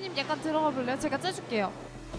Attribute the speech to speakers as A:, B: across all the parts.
A: 주키님 약간 들어가 볼래요? 제가 째줄게요.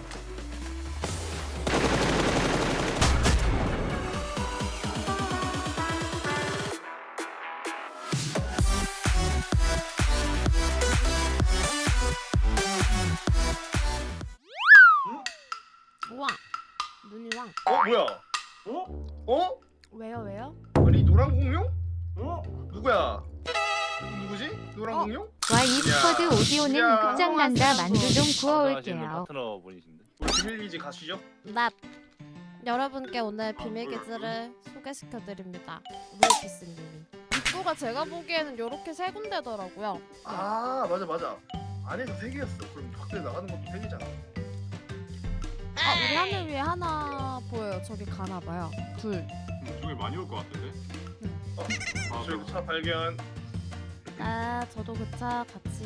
A: 우와, 눈이 왕.
B: 뭐야?
C: 어?
A: 왜요?
B: 아니 노란 공룡?
C: 어?
B: 누구야? 누구지? 노란 공룡?
D: 와 e스쿼드 오디오는
B: 야.
D: 끝장난다. 만두 좀
E: 방송하시는
D: 구워올게요.
E: 파트너 분이신데.
B: 우리 비밀기지 가시죠.
A: 나 여러분께 오늘 비밀기지를 소개시켜드립니다. 루이피스님이. 입구가 제가 보기에는 이렇게 세 군데더라고요.
B: 아 맞아. 안에서 3개였어. 그럼 밖에 나가는 것도 3개잖아.
A: 아, 우리 하늘 위에 하나 보여요. 저기 가나봐요. 둘.
C: 중에 많이 올 것 같은데? 아,
B: 저희 차 발견.
A: 아, 저도 그 차 같이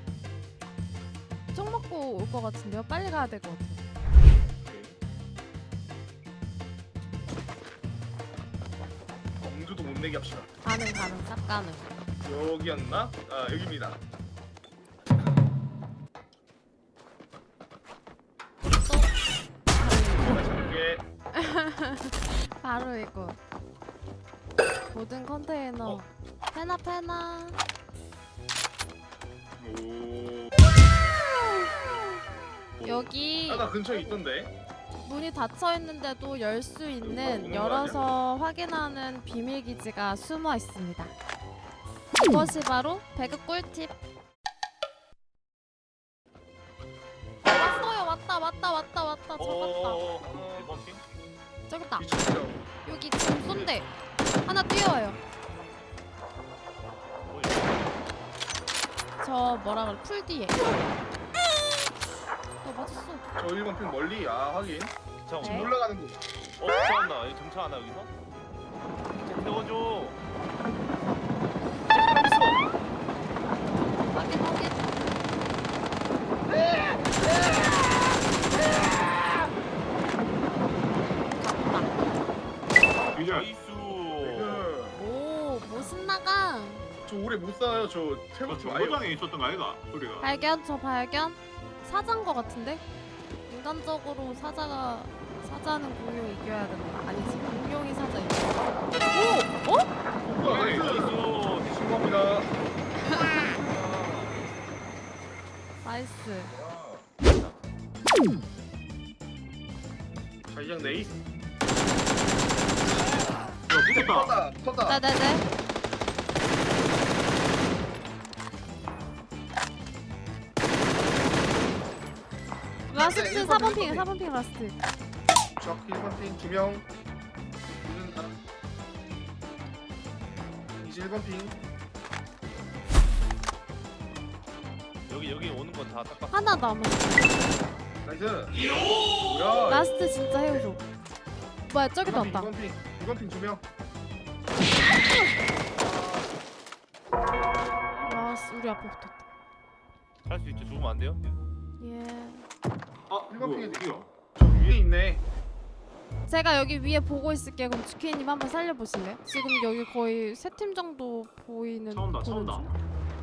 A: 총 먹고 올 것 같은데요. 빨리 가야 될 것 같아요.
B: 엄두도 못 내게 합시다.
A: 가능, 싹 가능.
B: 여기였나? 아 여기입니다. 제가 잡게.
A: 바로 이거. 모든 컨테이너. 페나.
B: 오.
A: 여기
B: 아까 근처에 있던데.
A: 문이 닫혀 있는데도 열 수 있는
B: 오는 거
A: 열어서 확인하는 비밀 기지가 숨어 있습니다. 이것이 바로 배그 꿀팁. 왔어요. 왔다. 잡았다.
E: 1번 핑?
A: 저기 있다.
B: 미쳤어.
A: 여기 지금 쏜대. 하나 뛰어와요. 저 뭐라 그래? 풀 뒤에. 너 맞았어.
B: 저 1번 핀 멀리. 아 하긴.
E: 자,
A: 네.
B: 올라가는 거.
E: 정차한다. 여기 정차하나 여기서? 이제 태워줘.
A: 확인. 갔다.
C: 이제
E: 나이스.
A: 오, 뭐 신나가.
B: 저 오래 못 살아요. 저
C: 저
B: 태국집 아예.
C: 정거장에 있었던 거 아이가? 우리가
A: 저 발견. 사자인 거 같은데? 인간적으로 사자는 공룡 이겨야 된다. 아니지, 공룡이 사자 이겨. 오! 어?
B: 나이스.
E: 나이스.
B: 신고합니다.
A: 나이스.
B: 자이장 네이스.
C: 야 붙었다.
B: 터다.
A: 네네네. 라스트 4번 핑 라스트.
B: 적 1번 핑 2명. 있는다. 이제 1번 핑.
E: 여기 오는 거 다 딱.
A: 하나 남은.
B: 나이스. 뭐야?
A: 라스트 진짜 헤어져. 뭐야, 저기도 왔다.
B: 2번 핑. 2번 핑 2명.
A: 라스 우리 앞에 붙었다.
E: 할 수 있죠. 죽으면 안 돼요?
A: 예.
C: 아
B: 일번
C: 뭐야
B: 핑에
C: 어디야?
B: 저 위에 있네.
A: 제가 여기 위에 보고 있을게요. 그럼 주케이님 한번 살려보실래요? 지금 여기 거의 3팀 정도 보이는.
C: 차 온다.
A: 보는 중.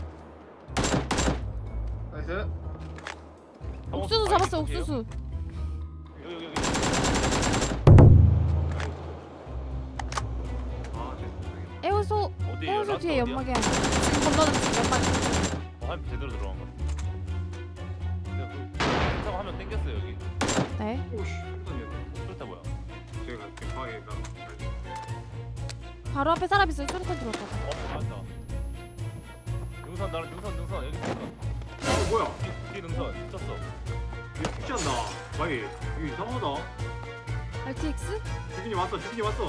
B: 나이스.
A: 옥수수 잡았어, 옥수수.
E: 여기.
C: 아 죄송해요.
A: 에어소
E: 어디에요? 라스트
A: 뒤에
E: 어디야?
A: 연막이 하나. 지금 건너는 중 연막.
E: 한 제대로 들어간 거. 내가 그 타고 하면 땡겼어요 여기.
A: 네.
C: 오씨 깜짝이야.
E: 그렇다 뭐야?
C: 제가 대파에다
A: 바로 앞에 사람 있어요. 소리탄 들어왔다.
E: 맞다. 능선 나는 능선 여기 능선.
C: 뭐야?
E: 뒤 능선 미쳤어.
C: 이거 푸시한다. 마이 이거 이상하다.
A: RTX?
C: 주빈이 왔어.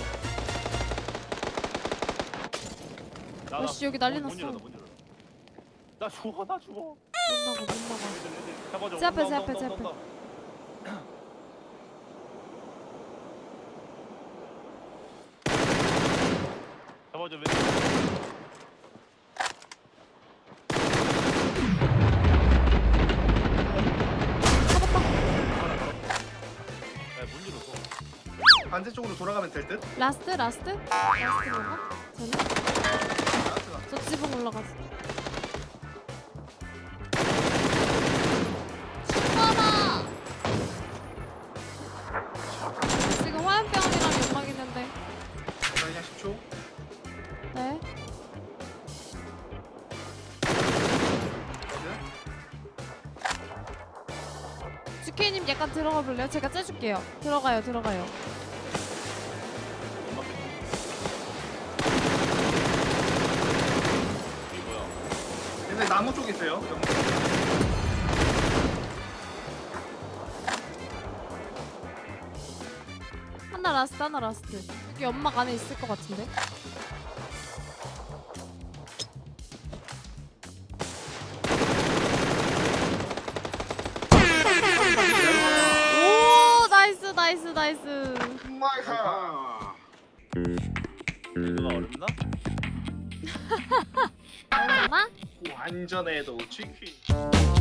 A: 아씨, 여기 난리
E: 문
A: 났어.
E: 열어. 나 죽어.
A: 못 나가.
E: 잡아줘.
A: 제 앞에,
E: 온다,
A: 제 앞에,
E: 온다,
A: 제
E: 온다,
A: 앞에.
E: 온다. 잡아줘. 왼쪽. 문 열었어.
B: 반대쪽으로 돌아가면 될 듯?
A: 라스트 뭔가? 쟤는?
B: 나이스가.
A: 저 지붕 올라갔어. 오케이님 약간 들어가 볼래요? 제가 째줄게요. 들어가요.
E: 엄마 이게 뭐야?
B: 근데 나무 쪽에 있어요.
A: 하나 라스트. 여기 연막 안에 있을 것 같은데. 오 나이스.
B: 마이카.
C: 아.
E: 누나 어렵나?
A: 얼마나?
B: 완전해도 치킨.